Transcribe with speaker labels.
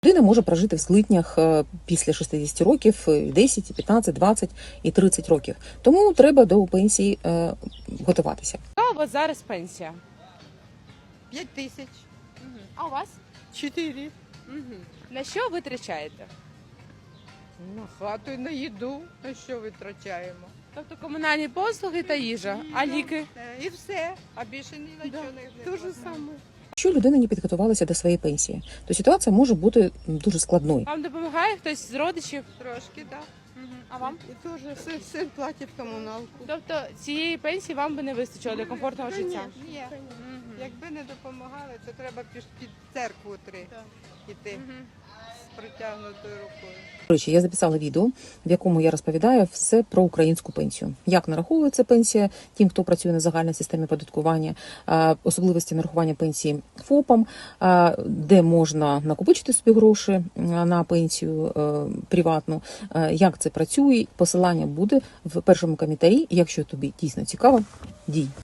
Speaker 1: Людина може прожити в злиднях після 60 років 10, 15, 20 і 30 років. Тому треба до пенсії готуватися.
Speaker 2: Яка у вас зараз пенсія?
Speaker 3: 5 тисяч.
Speaker 2: А у вас?
Speaker 3: 4.
Speaker 2: На що витрачаєте?
Speaker 3: На хату і на їду. На що витрачаємо?
Speaker 2: Тобто комунальні послуги та їжа, а ліки?
Speaker 3: І все. А більше ні на чого не Те ж саме.
Speaker 1: Якщо людина не підготувалася до своєї пенсії, то ситуація може бути дуже складною.
Speaker 2: Вам допомагає хтось з родичів?
Speaker 3: Трошки, так.
Speaker 2: А вам?
Speaker 3: І теж син платить комуналку.
Speaker 2: Тобто цієї пенсії вам би не вистачило для комфортного життя?
Speaker 3: Ні. Якби не допомагали, то треба під церкву йти з протягнутою рукою.
Speaker 1: До речі, я записала відео, в якому я розповідаю все про українську пенсію. Як нараховується пенсія тим, хто працює на загальній системі оподаткування, особливості нарахування пенсії ФОПам, де можна накопичити собі гроші на пенсію приватну, як це працює. Посилання буде в першому коментарі. Якщо тобі дійсно цікаво, дій.